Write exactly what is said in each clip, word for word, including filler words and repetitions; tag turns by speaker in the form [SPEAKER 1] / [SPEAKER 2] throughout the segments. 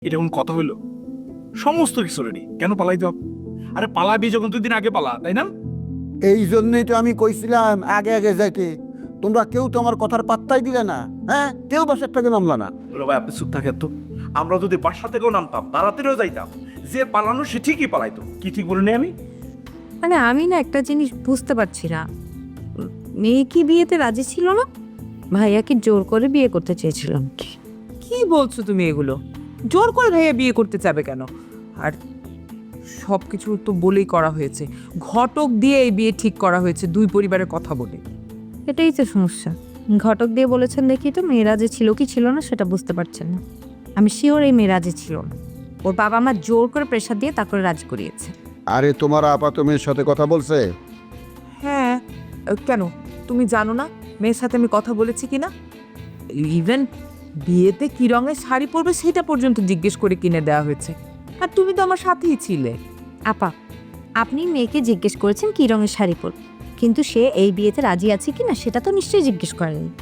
[SPEAKER 1] এটা কোন কথা হইলো? সমস্ত কিছু রেডি, কেন পালাইতে হবে? আরে পালাবি যখন দুই দিন আগে পালা, তাই না?
[SPEAKER 2] এই জন্যই তো আমি কইছিলাম আগে আগে যাইতে। তোমরা কেউ তো আমার কথার পাত্তাই দিলে না। হ্যাঁ, কেউ বাসার থেকে নামলা না।
[SPEAKER 1] বলো ভাই, আপনি চুপ থাকেন তো। আমরা যদি বাসা থেকেও নামতাম, তাড়াতাড়িও যাইতাম, যে পালানো সে ঠিকই পালাইতো। কি ঠিক বলিনি আমি?
[SPEAKER 3] মানে আমি না একটা জিনিস বুঝতে পারছি না, মেয়ে কি বিয়েতে রাজি ছিল না? ভাইয়া কি জোর করে বিয়ে করতে চেয়েছিলাম?
[SPEAKER 4] কি বলছো তুমি এগুলো? জোর করে ভাইয়া বিয়ে করতে যাবে কেন? আর সব কিছু তো বলেই করা হয়েছে, ঘটক দিয়ে এই বিয়ে ঠিক করা হয়েছে দুই পরিবারের কথা বলে।
[SPEAKER 3] এটাই তো সমস্যা। ঘটক দিয়ে বলেছেন দেখি তো মেয়ে রাজি ছিল কি ছিল না সেটা বুঝতে পারছেন না। আমি শিওর এই মেয়ে রাজি ছিল না। ওর বাবা আমার জোর করে প্রেশার দিয়ে তারপরে রাজি করিয়েছে।
[SPEAKER 2] আরে তোমার আপাত মেয়ের সাথে কথা বলছে?
[SPEAKER 4] হ্যাঁ, কেন তুমি জানো না মেয়ের সাথে আমি কথা বলেছি কিনা? ইভেন বিয়েতে কি রঙের শাড়ি পরবে সেটা পর্যন্ত জিজ্ঞেস করে কিনে দেওয়া হয়েছে। আর তুমি তো আমার সাথেই ছিলে।
[SPEAKER 3] আপা, আপনি মেয়েকে জিজ্ঞেস করেছেন কি রঙের শাড়ি পর, কিন্তু সে এই বিয়েতে রাজি আছে কিনা সেটা তো নিশ্চয়ই জিজ্ঞেস করেনি।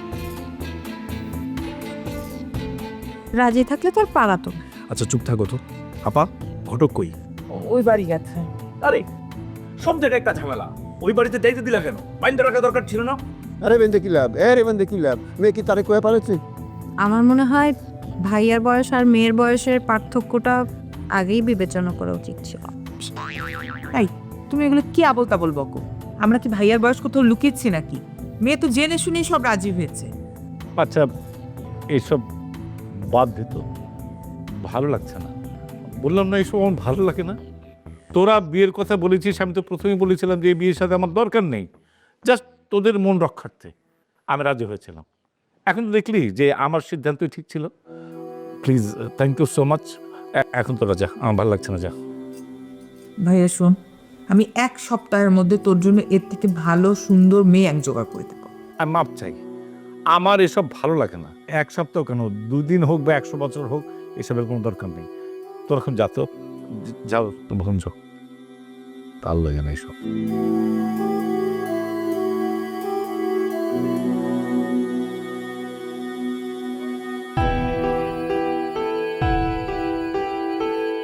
[SPEAKER 3] রাজি থাকলে তো আর পালাতো না।
[SPEAKER 1] আচ্ছা চুপ থাকো তো। আপা, ঘটক কই?
[SPEAKER 4] ওই বাড়ি গেছে।
[SPEAKER 1] আরে সব জায়গায় একটা ঝামেলা। ওই বাড়িতে যাইতে দিলা কেন? বাইন্দা রাখা দরকার ছিল না?
[SPEAKER 2] আরে বেন্দে কি লাভ? এ রে বেন্দে কি লাভ? মেয়ে কি তারে কয়ে পারেছে?
[SPEAKER 3] আমার মনে হয় ভাইয়ার বয়স আর মেয়ের বয়সের পার্থক্যটা আগেই বিবেচনা করা উচিত ছিল।
[SPEAKER 4] এই তুমি এগুলো কি আবল তাবল বকো? আমরা কি ভাইয়ার বয়স কোথাও লুকিয়েছি নাকি? মেয়ে তো জেনে শুনেই সব রাজি হয়েছে।
[SPEAKER 5] আচ্ছা, এইসব বাদ দিত, ভালো লাগছে না। বললাম না এইসব আমার ভালো লাগে না। তোরা বিয়ের কথা বলেছিস, আমি তো প্রথমেই বলেছিলাম যে এই বিয়ের সাথে আমার দরকার নেই, জাস্ট তোদের মন রক্ষার্থে আমি রাজি হয়েছিলাম। এখন তো দেখলি যে আমার সিদ্ধান্তই ঠিক ছিল। Please, thank you so much. এখন তোরা যা, আমার ভালো লাগছে না, যা।
[SPEAKER 4] ভাইয়া শোন, আমি এক সপ্তাহের মধ্যে তোর জন্য এর থেকে ভালো সুন্দর মেয়ে এক জোগাড় করে দেবো।
[SPEAKER 5] আমি মাপ চাই, আমার এসব ভালো লাগে না। এক সপ্তাহ কেন, দুদিন হোক বা একশো বছর হোক, এসবের কোনো দরকার নেই। তোর এখন যা তো, যাও ভঞ্জ, তার লাগে না এসব।